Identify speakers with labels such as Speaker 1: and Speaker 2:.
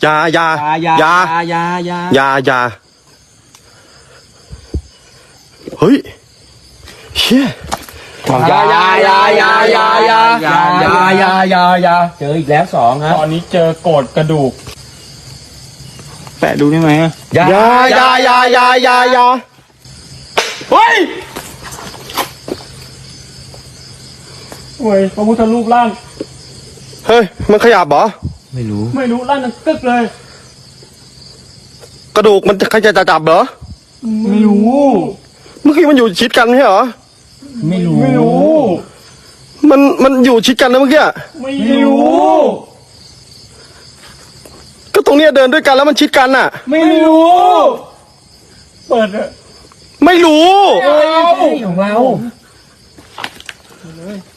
Speaker 1: อย่าเฮ้ยเชี่ย
Speaker 2: อย่าเจออีกแล้ว2ครับตอนนี้เจอโกรธกระดูกแปะดูได้ไหมอย่าเฮ้ยพระพุทธรูปร่าง
Speaker 1: เฮ้ยมันขยับเหรอ
Speaker 2: ไม่รู้ร่างมันกึกเลย
Speaker 1: กระดูกมันใครจะจับเหรอ
Speaker 2: ไม่รู้
Speaker 1: เมื่อกี้มันอยู่ชิดกันใช่เหรอ
Speaker 2: ไม่รู้
Speaker 1: มันอยู่ชิดกันนะเมื่อกี้
Speaker 2: ไม่รู้
Speaker 1: ก็ตรงเนี้ยเดินด้วยกันแล้วมันชิดกันน่ะ
Speaker 2: ไม่รู้เปิดอะ
Speaker 1: ไม่รู้
Speaker 2: ของเรา